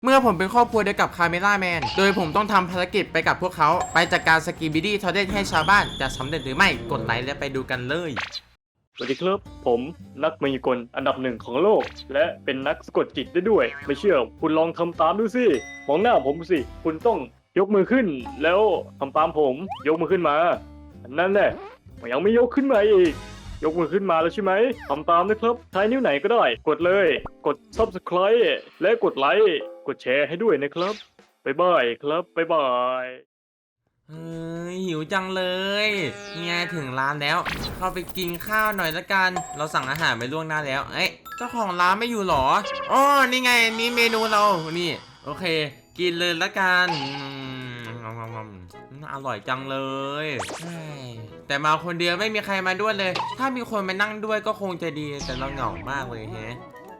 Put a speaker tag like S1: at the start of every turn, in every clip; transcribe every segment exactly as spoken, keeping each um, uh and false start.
S1: เมื่อผมเป็นครอบครัวเดียวกับคาเมล่าแมนโดยผมต้องทำภารกิจไปกับพวกเขาไปจัดการสกีบิดี้ทอร์เรนให้ชาวบ้านจะสำเร็จหรือไม่กดไลค์และไปดูกันเลย
S2: สวัสดีครับผมนักมายากลอันดับหนึ่งของโลกและเป็นนักสะกดจิตได้ด้วยไม่เชื่อคุณลองทำตามดูสิมองหน้าผมสิคุณต้องยกมือขึ้นแล้วทำตามผมยกมือขึ้นมานั่นแหละยังไม่ยกขึ้นมาอีกยกมือขึ้นมาแล้วใช่ไหมทำตามนะครับใช้นิ้วไหนก็ได้กดเลยกด ซับสไครบ์ และกดไลค์กดแชร์ให้ด้วยนะครับบ๊ายบายครับบ๊ายบาย
S1: เฮ้ยหิวจังเลยนี่ไงถึงร้านแล้วเข้าไปกินข้าวหน่อยละกันเราสั่งอาหารไปล่วงหน้าแล้วเอ๊ะเจ้าของร้านไม่อยู่หรออ๋อนี่ไงนี่เมนูเรานี่โอเคกินเลยละกันอร่อยจังเลยแต่มาคนเดียวไม่มีใครมาด้วยเลยถ้ามีคนมานั่งด้วยก็คงจะดีแต่เราเหงามากเลยแฮะ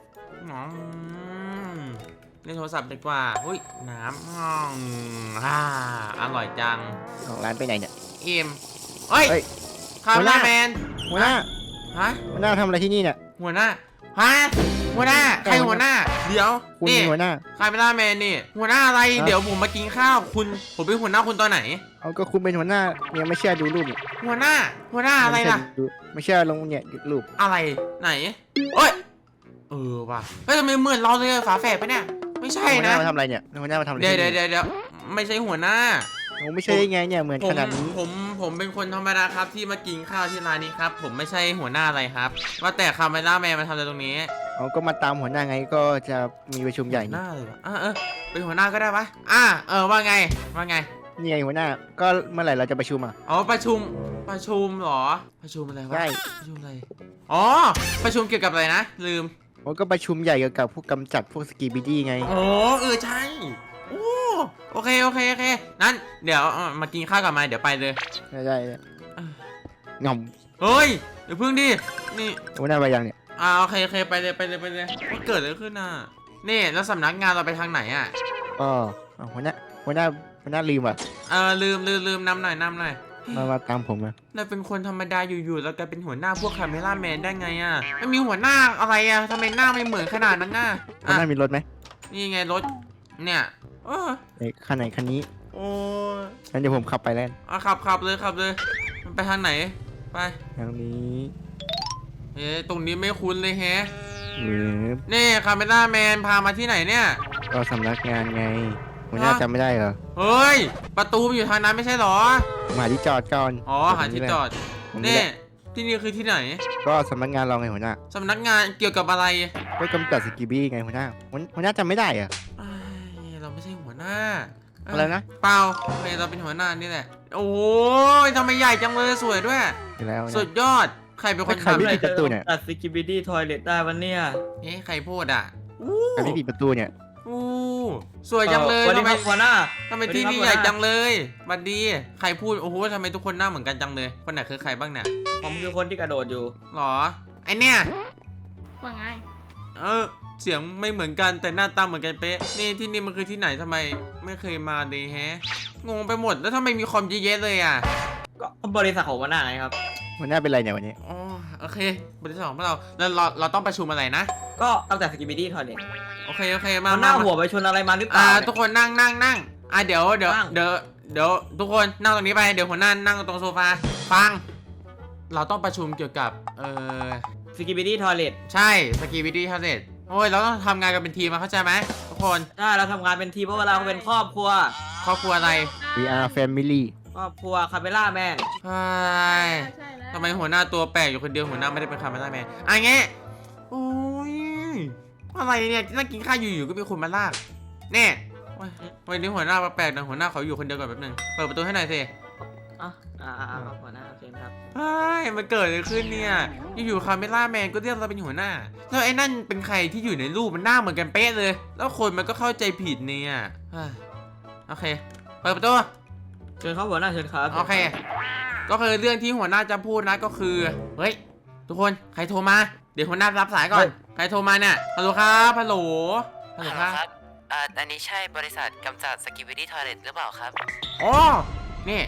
S1: เล่นโทรศัพท์ดีกว่าหุ้ยน้ำอ่าอร่อยจัง
S3: ของร้านไปไหนเนี่ย
S1: เอ็มเฮ้ยคาร์ลาแมน
S3: หัวหน้า
S1: ฮะ
S3: หัวหน้าทำอะไรที่นี่เนี่ย
S1: หัวหน้าฮะหัวหน้าใครหัวหน้าเดี๋ยว
S3: คุณหัวหน้า
S1: คาร์ลาแมนนี่หัวหน้าอะไรเดี๋ยวผมมากินข้าวคุณผมเป็นหัวหน้าคุณตอนไหน
S3: เอาก็คุณเป็นหัวหน้าเนี่ยไม่เชื่อดูรูป
S1: หัวหน้าหัวหน้าอะไรล่ะ
S3: ไม่เชื่อลงเนี่ยรูป
S1: อะไรไหนเอ้ยเออว่ะเฮ้ยทำไมเหมือนเราเลยฝาแฝดปะเนี่ยไม่ใช่นะ
S3: หัวหน้ามาทำอะไรเนี่ยหัวหน้ามาทำอะไร
S1: เดี๋ยวเดี๋ยวเดี๋ยวไม่ใช่หัวหน้า
S3: ผมไม่ใช่ไงเนี่ยเหมือนขนาดนี้
S1: ผมผมเป็นคนธรรมดาครับที่มากินข้าวที่ร้านนี้ครับผมไม่ใช่หัวหน้าอะไรครับว่าแต่คาเมล่าแมนมาทำอะไรตรงนี้
S3: เขาก็มาตามหัวหน้าไงก็จะมีประชุมใหญ่
S1: หน้าเลยวะอ่ะเออเป็นหัวหน้าก็ได้ปะอ่ะเออว่าไงว่าไง
S3: นี่ไงหัวหน้าก็เมื่อไหร่เราจะประชุมอ่ะ
S1: อ๋อประชุมประชุมหรอประชุมอะไรวะ
S3: ใช่
S1: ประชุมอะไรอ๋อประชุมเกี่ยวกับอะไรนะลืม
S3: ผมก็ประชุมใหญ่เกี่ยวกับพวกกำจัดพวกสกีบิดี้ไง
S1: โอ้เออใช่โอ้โอเคโอเคโอเคนั้นเดี๋ยวมากินข้าวกับมาเดี๋ยวไปเลย
S3: ได้ได้งอม
S1: เฮ้ยเดี๋ยวพึ่งดินี่
S3: หัวหน้าไปยังเนี่ย
S1: อ่าโอเคโอเคไปเลยไปเลยไปเลยว่าเกิดอะไรขึ้นน่ะนี่แล้วสำนักงานเราไปทางไหนอ่ะ
S3: อ๋อหัวหน้าหัวหน้าหัวหน้าลืมอ่ะ
S1: เออลืมลืมลืมนำหน่อยนำหน่อย
S3: มามาตามผมนะ
S1: เราเป็นคนธรรมดาอยู่ๆแล้วกลายเป็นหัวหน้าพวกคาเมล่าแมนได้ไงอ่ะไม่มีหัวหน้าอะไรอ่ะทำไมหน้าไม่เหมือนขนาดนั้นน่ะ
S3: หัวหน้ามีรถไหม
S1: นี่ไงรถเนี่ยเออ
S3: คันไหนคันนี้
S1: โอ้
S3: งั้นเดี๋ยวผมขับไปแล้ว
S1: อ่ะขับขับเลยขับเลยมันไปทางไหนไป
S3: ทางนี้
S1: เฮ้ตรงนี้ไม่คุ้นเลยแฮะนี่คาเมล่าแมนพามาที่ไหนเนี่ย
S3: ก็สำนักงานไงหัวหน้าจำไม่ได้เหรอ
S1: เฮ้ยประตูมันอยู่ทางนั้นไม่ใช่หรอ
S3: มาที่จอดก่อน
S1: อ๋อหาที่จอดนี่ที่นี่คือที่ไหน
S3: ก็สำนักงานเราไงหัวหน้า
S1: สำนักงานเกี่ยวกับอะไร
S3: ก็กำจัดสกีบี้ไงหัวหน้าหัวหน้าจำไม่ได้เหรอ
S1: เราไม่ใช่หัวหน้า
S3: อะไรนะ
S1: เปล่าเราเป็นหัวหน้านี่แหละโอ้ยทำไมใหญ่จังเลยสวยด้วยสุดยอดใครเป็นคน
S3: ทำปิดประตูเนี่ย
S4: ตัดสกิบิดี้ทอยเลทได้วันเนี้ย
S1: เฮ้ใครพูดอ่ะ
S3: ใครที่ปิดประตูเนี่ย
S1: อู้สวยจังเลย
S4: ทำไมหัวหน้า
S1: ทำไมที่นี่ใหญ่จังเลยบัดดีใครพูดโอ้โหทำไมทุกคนหน้าเหมือนกันจังเลยคนไหนคือใครบ้างเนี่ย
S4: ผมคือคนที่กระโดดอยู่
S1: หรอไอเนี่ย
S5: ว่าไง
S1: เออเสียงไม่เหมือนกันแต่หน้าตาเหมือนกันเป๊ะนี่ที่นี่มันคือที่ไหนทำไมไม่เคยมาเลยแฮะงงไปหมดแล้วทำไมมีคอมเยอะๆเลยอ่ะ
S4: ก็บริษัทของหัวหน้าไงครับ
S3: หัวหน้าเป็นไรเนี่ยวันนี้
S1: อ๋อโอเคบริษัทของเราแล้วเราเราต้องประชุมอะไรนะ
S4: ก็ตั้งแต่สกิบิดี้ทอยเลท
S1: โอเคโอเคมา
S4: หน้าหัวไปชนอะไรมาหรือเปล่า
S1: ทุกคนนั่งนั่งนั่งอ่ะเดี๋ยวเดี๋ยวเดี๋ยวเดี๋ยวทุกคนนั่งตรงนี้ไปเดี๋ยวหัวหน้านั่งตรงโซฟาฟังเราต้องประชุมเกี่ยวกับเอ่อ
S4: สกิบิดี้ทอยเลท
S1: ใช่สกีบิดี้ทอยเลทโอ้ยเราต้องทำงานกันเป็นทีมมาเข้าใจไหมทุกคน
S4: ใช่เราทำงานเป็นทีมเพราะว่าเราเป็นครอบครัว
S1: ครอบครัวอะไร
S3: We are family
S4: ครอบครัวคาเมล่าแมน
S1: ใช่ทำไมหัวหน้าตัวแปลกอยู่คนเดียวหัวหน้าไม่ได้เป็นคาเมล่าแมนอะไรเงี้ยโอ้ยอะไรเนี่ยนั่งกินข้าวอยู่ๆก็มีคนมาลากเนี่ยวันนี้หัวหน้าแปลกนะหัวหน้าเขาอยู่คนเดียวก่อนแป๊บนึงเปิดประตูให้หน่อยสิ
S4: อ่ะอ่าหัวหน้าโอเคครับ
S1: เฮ้ยมันเกิดอะไรขึ้นเนี่ยอยู่ๆคาเมล่าแมนก็เรียกเราเป็นหัวหน้าแล้วไอ้นั่นเป็นใครที่อยู่ในรูปมันหน้าเหมือนกันเป๊ะเลยแล้วคนมันก็เข้าใจผิดเนี่ยโอเคเปิดประตู
S4: เชิญครับหัวหน้าเชิญครับ
S1: โอเคก็คือเรื่องที่หัวหน้าจะพูดนะก็คือเฮ้ยทุกคนใครโทรมาเดี๋ยวหัวหน้ารับสายก่อนใครโทรมาเนี่ยฮัลโหลครับฮัลโหล
S6: ฮัลโหลครับอ่าอันนี้ใช่บริษัทกำจัดสกิบิดี้ทอยเลทหรือเปล่าครับ
S1: อ๋อนี่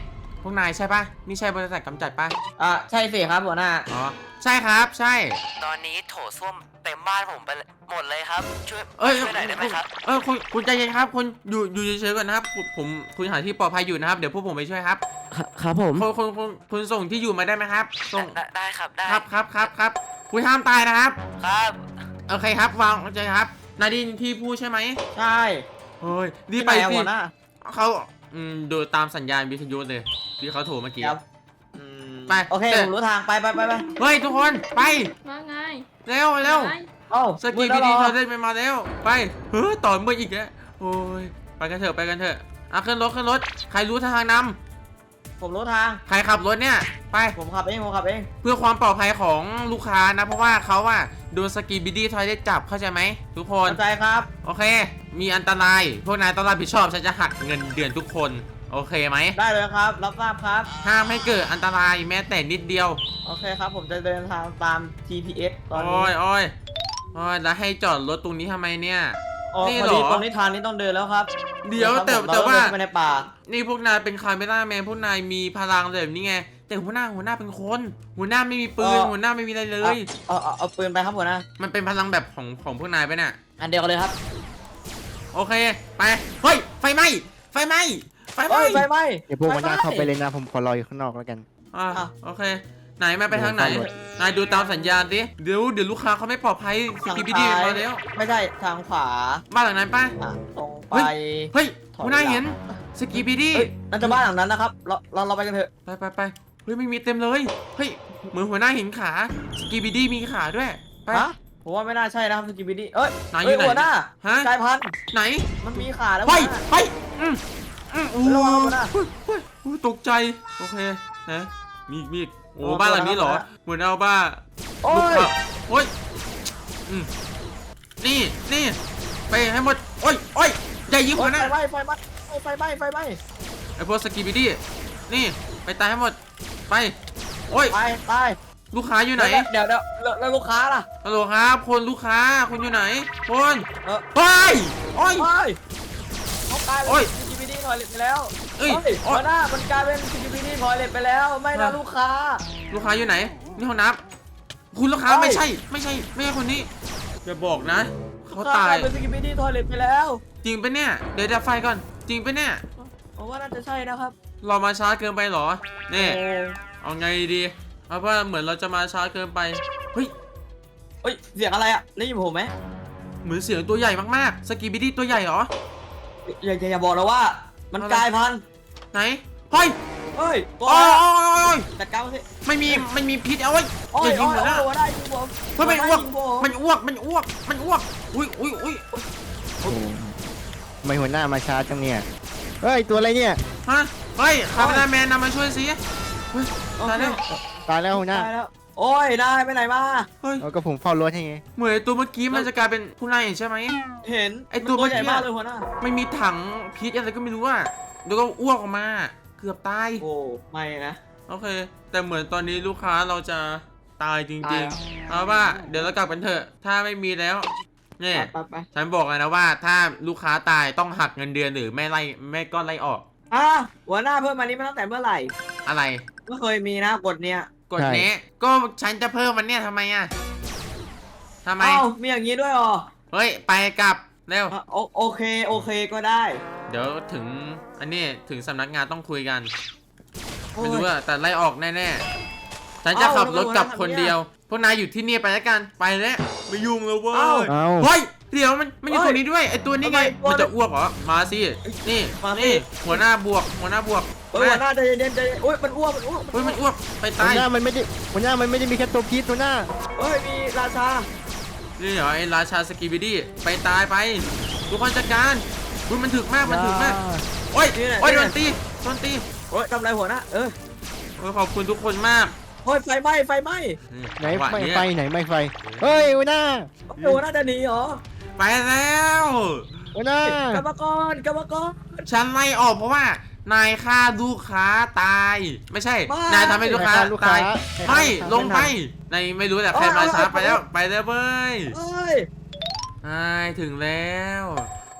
S1: พวกนายใช่ปะนี่ใช่บริษัทกำจัดปะ
S4: อ่ะใช่สิครับหัวหน้า
S1: อ๋อใช่ครับใช่
S5: ตอนนี้โถส้วมเต็มบ้านผมไปหมดเลยครับ ช่วย
S1: เอ้ย
S5: ช่วยหน่อยได้ไหมครับ
S1: เออคุณคุณใจเย็นครับคุณอยู่อยู่เฉยๆก่อนนะครับผมผมคุณหาที่ปลอดภัยอยู่นะครับเดี๋ยวพวกผมไปช่วยครับ
S5: ครับผม
S1: คุณคุณคุณคุณส่งที่อยู่มาได้ไหมครับส่ง
S5: ได้ได้ครับได้
S1: ครับครับครับครับคุณห้ามตายนะครับ
S5: ครับ
S1: โอเคครับวางใจครับนาดินที่พูดใช่ไหม
S4: ใช่
S1: เฮ้ยรีบไป
S4: ที่หนอะ
S1: สิ
S4: หัวหน้า
S1: เขาอืมดูตามสัญญาณวิทยุเลยที่เขาโทรเมื่อกี้
S4: ครับอืม
S1: ไป
S4: โอเค
S1: เสร็จ
S4: ผมรู้ทางไปไปไปไป
S1: เฮ้ยทุกคนไป
S6: ว่าไง
S1: เร็วเร็ว
S6: ไง
S4: เอ้า
S1: สกี
S4: มื
S1: บี
S4: ด
S1: ดี
S4: แล้ว
S1: เธ
S4: เหร
S1: อเล่นไปมาแล้วไปเฮ้ยต่อเมื่ออีกแล้วโอ้ยไปกันเถอะไปกันเถอะอ่ะขึ้นรถขึ้นรถใครรู้ทางน
S4: ผมรู้ทาง
S1: ำใครขับรถเนี่ยไป
S4: ผมขับเองผมขับเอง
S1: เพื่อความปลอดภัยของลูกค้านะเพราะว่าเขาอะโดนสกีบีดีทอยได้จับเข้าใจไหมทุกคน
S4: เข้าใจครับ
S1: โอเค มีอันตรายพวกนายต้องรับผิดชอบฉันจะหักเงินเดือนทุกคนโอเคไหม
S4: ได้เลยครับ รับทราบครับ
S1: ห้ามให้เกิดอันตรายแม้แต่นิดเดียว
S4: โอเคครับ ผมจะเดินทางตาม จี พี เอส ตอนนี้
S1: โอ้ยโอ้ยโอ้ยแล้วให้จอดรถตรงนี้ทำไมเนี่ย
S4: อ๋อ
S1: นี่
S4: พอ
S1: เหร
S4: ดี
S1: อ
S4: ตรงนี้ทางนี้ต้องเดินแล้วครับ
S1: เดี๋ยวแต่
S4: ครับผม
S1: แต่ว่า
S4: เรเดินเข้ไปในป่า
S1: นี่พวกนายเป็นคาเมล่าแมนพวกนายมีพลังแบบนี้ไงแต่หัวหน้าหัวหน้าเป็นคนหัวหน้าไม่มีปืน
S4: เออ
S1: หัวหน้าไม่มีอะไรเลย
S4: เอาเอาเอาปืนไปครับหัวหน้า
S1: มันเป็นพลังแบบของของพวกนายไปะเนี่ย
S4: อันเดียวกันเลยครับ
S1: โอเคไปเฮ้ยไฟไหม้ไฟไหม้ไฟไหม้
S4: เอ้ยไฟไหม้
S3: เดี๋ยวพวกหัวหน้า
S4: ไฟไหม้
S3: เข้าไปเลยนะผมขอรออยู่ข้างนอกแล้วกัน
S1: อ่ะ
S4: อ่ะ
S1: โอเค ไหนมาไปทางไหน
S3: เดี๋ยว
S1: นายดูตามสัญญาณดิเดี๋ยวเดี๋ยวลูกค้าเขาไม่ปลอดภัยส
S4: ทาง
S1: กีบีดี
S4: ซ้าย
S1: มาแล้ว
S4: ไม่ใช่ทางขวา
S1: บ้านหลังนั้นป่ะ
S4: อ่ะตรงไป
S1: เฮ้ย
S4: ถอย
S1: หัวหน้า
S4: หลัง
S1: เห็นสกีบีดี
S4: เอ้ยนั่นจะบ้านหลังนั้นนะครับ เราเราเราไปกันเถอะ
S1: ไปไปไปเฮ้ยไม่มีเต็มเลยเฮ้ยเหมือนหัวหน้าเห็นขาสกีบีดีมีขาด้วยไป
S4: ฮะผมว่าไม่น่าใช่นะครับสกิบิดี้เอ้ย
S1: ไหนอยู่
S4: เอ้ย
S1: ไหน
S4: หัวหน้า
S1: ฮะ
S4: กลายพันธุ์
S1: ไหน
S4: มันมีขาแล้ว
S1: ไป
S4: หัวหน้า
S1: ไปอืมอืมโอ้
S4: ระวังหัวหน้า
S1: เฮ้ยเฮ้ยเฮ้ยตกใจโอเคนะมีอีกมีอีกโอ้
S4: ระวัง
S1: บ้านหลังนี้เหรอ
S4: หัวหน้า
S1: เหมือนเอาบ้า
S4: โอ้
S1: ลูก
S4: ย
S1: ค้าโอ้ยอืมนี่นี่ไปให้หมดโอ้ยโอ้ยอย่ายิง
S4: โอ้
S1: หั
S4: ยว
S1: หน้า
S4: ไฟไหม้ไฟไหม้ไฟไหม้ไฟไหม้
S1: ไอพวกสกีบิดี้นี่ไปตายให้หมดไปโอ้ย
S4: ไปไป
S1: ลูกค้าอยู่ไหน
S4: เดี๋ยวเดี๋ยวเดี๋ยวแล้วลูกค้าล่ะ
S1: ฮัลโหลครับคนลูกค้าคุณอยู่ไหนคน
S4: เออ
S1: ไปโอ้ย
S4: โอ้ยเขากลาย
S1: โอ้
S4: เป็
S1: ย
S4: นสกิบิดี้ทอยเล็ตไปแล้ว
S1: เอ้ย
S4: โอ้ย
S1: โอ้
S4: หั
S1: ยว
S4: หน้ามันกลายเป็นสกิบิดี้ทอยเล็ตไปแล้วไม่นะ
S1: อ่ะ
S4: ลูกค้า
S1: ลูกค้าอยู่ไหนนี่ห้องน้ำคุณลูกค้า
S4: เอ้ย
S1: ไม่ใช่ไม่ใช่ไม่ใช่คนนี้อย่าบอกนะเขา
S4: ลูกค้
S1: ตาย
S4: กลเป็นสกิบิดี้ทอยเล็ตไปแล้ว
S1: จริงปะเนี่ยเดี๋ยวดับไฟก่อนจริงปะเนี่ย
S4: ผมว่าน่าจะใช่นะครับ
S1: เรามาช้าเกินไปเหรอนี่
S4: โอ้
S1: เอาไงดีเอาว่าเหมือนเราจะมาช้าเกินไปเฮ้ย
S4: เฮ้ยเสียงอะไรอ่ะได้ยินผมไหม
S1: เหมือนเสียงตัวใหญ่มากๆสกีบิดี้ตัวใหญ่เหรอ
S4: อย่าอย่าอย่าบอกนะว่า มันกลายพันธุ์
S1: ไหนเฮ้ย
S4: เฮ้ยตัว
S1: โอ้ย
S4: อะไร
S1: โอ้ยโอ้ยโอ้ย
S4: จัดการมันสิ
S1: ไม่มีไม่มีพิษเอาไว้ย
S4: โอ้
S1: อย ย่ายิ
S4: โอ้
S1: ง
S4: ย
S1: หัวหน้า
S4: โอ้ยได้ยิงผม
S1: เฮ้ยมันอ้วก
S4: ยิงผม
S1: มันอ้วกมันอ้วกมันอ้วกอุ้ยอุ้ยอุ้ย
S3: โอ้ทำไมหัวหน้ามาช้าจังเนี่ย เฮ้ย ตัวอะไรเนี่ย
S1: ฮะเฮ้ยคาเมราแมนนำมาช่วยสิเฮ้ย
S4: โอ
S1: ตาย
S4: เค
S1: แล้ว
S3: ตายแล้วหัวหน้า
S4: ตายแล้วโอ้ยนายไปไหนมา
S1: เฮ้ย
S3: เอาก็ผมเฝ้ารถให้ไง
S1: เหมือนไอ้ตัวเมื่อกี้มันจะกลายเป็นผู้นายเห็นใช่ไหม
S4: เห็น
S1: ไอ้ตัว
S4: มันใหญ่
S1: เมื่อกี้
S4: มากเลยหัวหน้า
S1: ไม่มีถังพิษอะไรก็ไม่รู้อ่ะเดี๋ยวก็อ้วกออกมา เกือบตาย
S4: โอ้ไม่นะ
S1: โอเค แต่เหมือนตอนนี้ลูกค้าเราจะตายจ
S4: ตา
S1: ริ
S4: ย
S1: ง
S4: แล้ว
S1: ๆเอาว่าเดี๋ยวเรากลับกันเถอะ ถ้าไม่มีแล้วเนี่ย
S4: ไปไป
S1: ฉันบอกเลยนะว่าถ้าลูกค้าตายต้องหักเงินเดือนหรือไม่ไล่ไม่ก็ไล่ออก
S4: อ่ะหัวหน้าเพิ่มมานี้มาตั้งแต่เมื่อไหร่
S1: อะไร
S4: ไม่เคยมีนะกฎเนี้ย
S1: กดเนี้ยก็ฉันจะเพิ่มมันเนี่ยทำไมอ่ะทำไม
S4: เอ้ามีอย่างนี้ด้วยเหรอ
S1: เฮ้ยไปกลับเร็ว
S4: อ่ะโอโอเคโอเคก็ได้
S1: เดี๋ยวถึงอันนี้ถึงสำนักงานต้องคุยกัน
S4: โอ้
S1: ไม่
S4: ย
S1: รู้อะแต่ไล่ออกแน่ๆฉันจะขับรถกลับคนเดียว พวกนายอยู่ที่นี่ไปแล้วกันไปแล้วไม่ยุ่งแล้วเว้ย
S4: เอ้า
S3: เอา
S1: เฮ้ยเดี๋ยวมันมันอยู่
S4: เอ้ย
S1: ตรงนี้ด้วยไอตัวนี้ไง
S4: ทำไม
S1: มันจะอ้วกเหรอมาสินี่
S4: มาสิ
S1: นี่หัวหน้าบวกหัวหน้าบวก
S4: เอ้ยหัวหน้าใจเย็นๆใจเย็นโอ้ยมันอ้วกมันอ้วก
S1: เฮ้ยมันอ้วกไป
S3: หั
S1: ตา
S3: วย หน้ามันไม่ได้หัวหน้ามันไม่ได้มีแค่ตัวพิษหัวหน้า
S4: เอ้ยมีราชา
S1: นี่เหรอไอราชาสกีบิดี้ไปตายไปทุกคนจัดการคุณมันถึกมากมันถึกมากโอ้ยโอ้ยโดนตีโดนตี
S4: โอ้ยทำอะไรหัวหน้าเออ
S1: โอ้ยขอบคุณทุกคนมาก
S4: โอ้ยไฟไหม้ไฟไหม้
S3: ไหน
S1: จังวะ
S3: ไม่
S1: เย
S3: ไฟไหนไม่ไฟ เฮ้ยหัวหน้า
S4: โอ้ยหัวหน้าจะหนีเหรอ
S1: ไปแล้ว
S3: หัวหน้า
S4: กรรมกรกรรมกร
S1: ฉันไล่ออกเพราะว่านายฆ่าลูกค้าตาย ไม่ใช่
S4: ไม่
S1: นายทำให้ลูกค้า
S3: ลูกค้า
S1: ตาย
S3: ให้
S1: ไม่
S3: ทำ
S1: ลงไป
S3: ไม่
S1: ในไม่รู้แต่ใคร
S4: เอ้ย
S1: มาช้า
S4: เอ้ย
S1: ไปแล้วไปแล้วเว้ย
S4: เอ้ย
S1: นายถึงแล้ว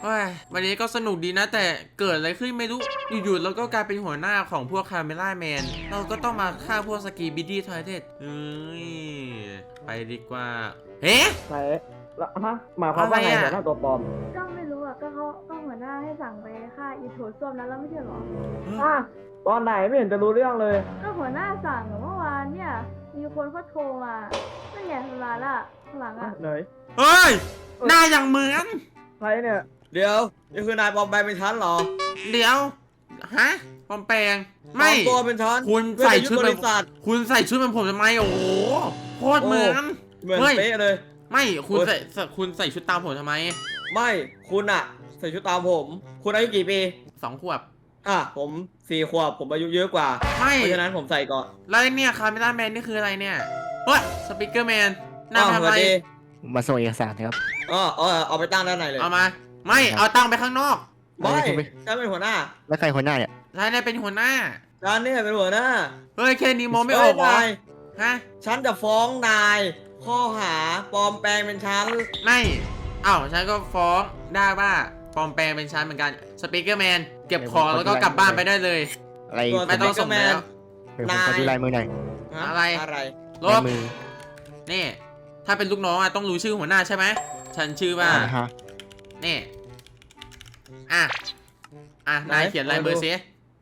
S1: เฮ้ยวันนี้ก็สนุกดีนะ แต่เกิดอะไรขึ้นไม่รู้อยู่ๆเราก็กลายเป็นหัวหน้าของพวกคาเมล่าแมนเราก็ต้องมาฆ่าพวกสกีบิดดี้ทอยเด็ดเอ้ยไปดีกว่าเฮ้
S6: ไหนแล้วฮะหมายความว่าไง
S1: อะไรอะ
S6: หัวหน้าตัวปลอม
S7: ก็ไม่รู้อ่ะ ก็เขาก็หัวหน้าให้สั่งไปฆ่าอีโถส้วมนั้นแล้วไม่ใช่เหรอ
S6: อ่ะตอนไหนไม่เห็นจะรู้เรื่องเลย
S7: ก็หัวหน้าสั่งเมื่อวานเนี่ย มีคนเขาโทรมานั่นไงมาละข้างหลัง
S6: อ่ะ
S7: อ่ะ
S6: ไหน
S1: เฮ้ยหน้าอย่างเหมือน
S6: ใครเนี่ย
S4: เดี๋ยวนี่คือนายปลอมแปลงเป็นฉันเหรอ
S1: เดี๋ยวฮะปลอมแปลงไม่
S4: ปลอตัวเป็นฉัน
S1: คุณ
S4: เพื่อ
S1: ใส่
S4: จะยึ
S1: ชุด
S4: บ
S1: แบบ
S4: ริษัท
S1: คุณใส่ชุดเหมือนผมทำไมโอ้โหโคตรเหมือน
S4: เหมือน
S1: เฮ้ย
S4: เป๊ะเลย
S1: ไม่คุณ
S4: โอ๊ย
S1: ใส่ใส่คุณใส่ชุดตามผมทำไม
S4: ไม่คุณอะใส่ชุดตามผม คุณอายุกี่ปี
S1: สองขวบ
S4: อ่ะผมสี่ขวบผมอายุเยอะกว่า
S1: ไม่
S4: เพราะฉะนั้นผมใส่ก่อน
S1: แล้วไอ้เนี่ยคาเมล่าแมนนี่คืออะไรเนี่ยเฮ้ยสปิเกอร์แมนหน้า
S4: อ้าว
S1: ทำ
S4: ส
S1: อะ
S4: วัส
S1: ไร
S4: ดี
S3: มาส่งเอกสารครับ
S4: อ๋อเอาเอาไปตั้งด้านในเลย
S1: เอามา ไม่เอาตั้งไปข้างนอก
S4: ไม่
S3: เอาไป
S4: ฉันเป็นหัวหน้า
S3: แล้วใครคนหน้าเนี่ย
S1: นายนายเป็นหัวหน้า
S4: ฉันเนี่ยเป็นหัวหน้า
S1: เฮ้ยแค่นี้มองไม่ออกเหรอ
S4: เฮ้ยนาย
S1: ฮะ
S4: ฉันจะฟ้องนาย ข้อหาปลอมแปลงเป็นฉัน
S1: ไม่เอ้าฉันก็ฟ้องได้ว่าปลอมแปลงเป็นฉันเหมือนกันสปิเกอร์แมนเก็บของแล้วก็กลับบ้านไปได้เลย
S3: อะไร
S4: ตัว
S1: ไม่ต้องส่งแล้ว
S3: เดี๋ยวผมขอดูลายมือหน่อย
S4: ฮะ
S1: อะไร
S4: อะไร
S1: ล
S3: ลาย
S1: บ
S3: มือ
S1: นี่ ถ้าเป็นลูกน้องอะต้องรู้ชื่อหัวหน้าใช่ไหมฉันชื่อว่า
S3: อ่าฮะ
S1: นี่ อ่ะ อ่ะ นายเขียนลายมือซิ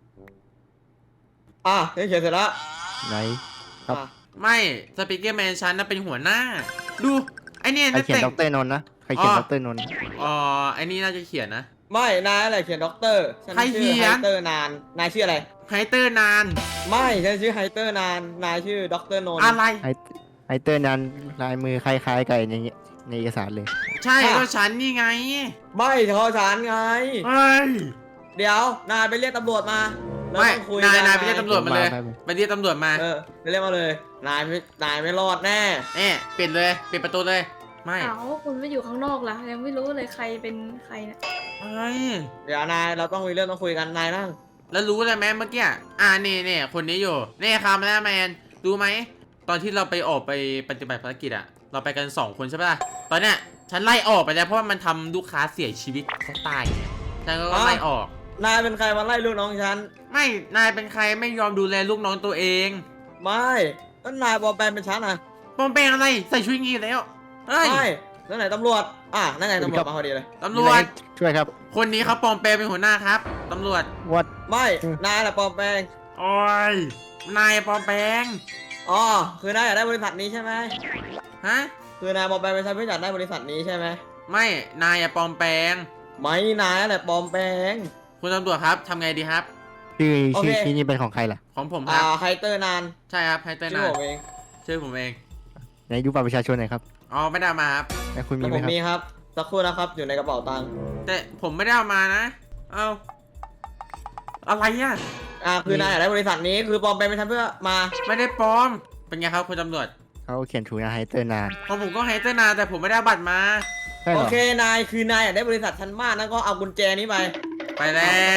S4: อ่ะนี่เขียนเสร็จแล้ว
S3: ไหน ครับ
S4: อ่ะ
S1: ไม่สปิเกอร์แมนฉันน่ะเป็นหัวหน้า ดู ไอเนี่ย
S3: ใคร
S1: น่า
S3: เขียน
S1: แต่ง
S3: ด็อกเตอร์นนท์นะ ใครเขียน
S1: อ๋อ
S3: ด็อกเตอร์นนท์
S1: อ๋อไอนี่น่าจะเขียนนะ
S4: ไม่นายอะไรเขียนด็อกเตอร์ฉัน
S1: ใคร
S4: ชื่อ
S1: เขียน
S4: ไฮเตอร์นานนายชื่ออะไร
S1: ไฮเตอร์นาน
S4: ไม่ฉันชื่อไฮเตอร์นานนายชื่อด็อกเตอร์นนท์
S1: อะไร
S3: ไอไอเตอร์นั้นลายมือคล้ายๆกันอย่างเงี้ยในเอกสารเลย
S1: ใช่ก็ฉันนี่ไง
S4: ไม่เฉพาะฉันไง
S1: เฮ้ย
S4: เดี๋ยวนายไปเรียกตำรวจมาแล้ว
S1: ไม่
S4: ต้องคุย
S1: นาย
S4: กัน
S1: นายไปเรียกตำรวจมาเลย
S3: มาไป
S1: ไปเรียกตำรวจมา
S4: เออไปเรียกมาเลย นายไม่นายไม่รอดแน่
S1: เอ๊ะปิดเลย ปิดประตูเลย ไม่
S7: อ้าวคุณไม่อยู่ข้างนอกล่ะ ยังไม่รู้เลยใครเป็นใครเนี่ย
S1: เฮ้ย
S4: เดี๋ยวนายเราต้องมีเรื่องต้องคุยกันนายนั่ง
S1: แล้วรู้เลยไหมเมื่อกี้ อ่านี่นี่คนนี้อยู่ นี่คาร์มแมนรู้ไหม ตอนที่เราไปออกไปปฏิบัติภารกิจอะเราไปกันสองคนใช่ปะล่ะ ตอนเนี้ยฉันไล่ออกไปแล้วเพราะว่ามันทำลูกค้าเสียชีวิตเขาตาย ฉันก็ไล่ออก
S4: นายเป็นใครมาไล่ลูกน้องฉัน
S1: ไม่ นายเป็นใครไม่ยอมดูแลลูกน้องตัวเอง
S4: ไม่แล้วนายปลอมแปลงเป็นฉันอ่ะ
S1: ปลอมแปลงอะไร ใส่ชุดอย่างงี้แล้ว เฮ้ย
S4: ไม่แล้วไหนตำรวจอ่ะนั่นไงตำรวจมาพอดีเลย
S1: ตำรวจ
S3: ช่วยครับ
S1: คนนี้เขาปลอมแปลงเป็นหัวหน้าครับ ตำรวจ
S3: วัด
S4: ไม่
S3: อืม
S4: นายแหละปลอมแปลง
S1: โอ้ย นายปลอมแปลง
S4: อ๋อคือนายอยากได้บริษัทนี้ใช่ไหม
S1: ฮะ
S4: คือนายปลอมแปลงเป็นฉันเพื่ออยากได้บริษัทนี้ใช่ไหม
S1: ไม่ นายอะปลอมแปลง
S4: ไม่นายแหละปลอมแปลง
S1: คุณตำรวจครับทำไงดีครับ
S3: ชื่อ
S4: โอเค
S3: ชื่อที่นี่เป็นของใครล่ะ
S1: ของผมค
S4: อ่า
S1: รับ
S4: ไฮเตอร์นาน
S1: ใช่ครับไฮเตอร์
S4: ชื่
S1: นา
S4: อผมเอง
S1: ชื่อผมเอง
S3: ไหนดูบัตรประชาชนหน่อยครับ
S1: อ๋อไม่ได้เอามาครับ
S3: แล้วคุณมี
S4: แล้ว
S3: ไห
S4: ผม ม
S3: ครับ
S4: มีครับสักครู่นะครับอยู่ในกระเป๋าตังค์
S1: แต่ผมไม่ได้เอามานะ เอาอะไรอ่ะ
S4: อ่าคือนายอยากได้บริษัทนี้คือปลอมแปลงเป็นฉันเพื่อมา
S1: ไม่ได้ปลอม เป็นไงครับคุณตำรวจ
S3: เขาเขียนถูกนะไฮเตอร์นาน
S1: ของผมก็ไฮเตอร์นาแต่ผมไม่ได้เอาบัตรมา
S3: ใช่เห
S4: โอ
S3: รอ
S4: เคนายคือนายอยากได้บริษัทฉันมากนั่นก็เอากุญแจนี้ไป
S1: ไปแล้ว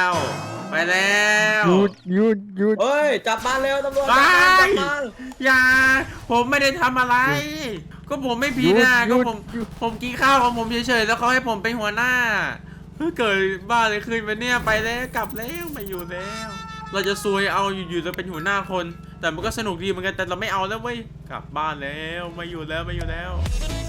S1: ไปแล้ว
S3: หยุดหยุดหยุด
S4: เฮ้ยจับมาเร็วตำรวจ
S1: ไป
S4: จับมาจับมา
S1: อย่า ผมไม่ได้ทำอะไร ก็ผมไม่ผิดนะ
S3: หยุ
S1: ก็
S3: ด
S1: ผม
S3: หยุด
S1: ผมกินข้าวของผมเฉยๆแล้วเขาให้ผมเป็นหัวหน้าเฮ้ยเกิดบ้าเลยขึ้นไปเนี่ยไปแล้วกลับแล้วไมาอยู่แล้ว เราจะซวยเอาอยู่ๆเราเป็นหัวหน้าคน แต่มันก็สนุกดีเหมือนกันแต่เราไม่เอาแล้วเว้ยกลับบ้านแล้วไมาอยู่แล้วไมาอยู่แล้ว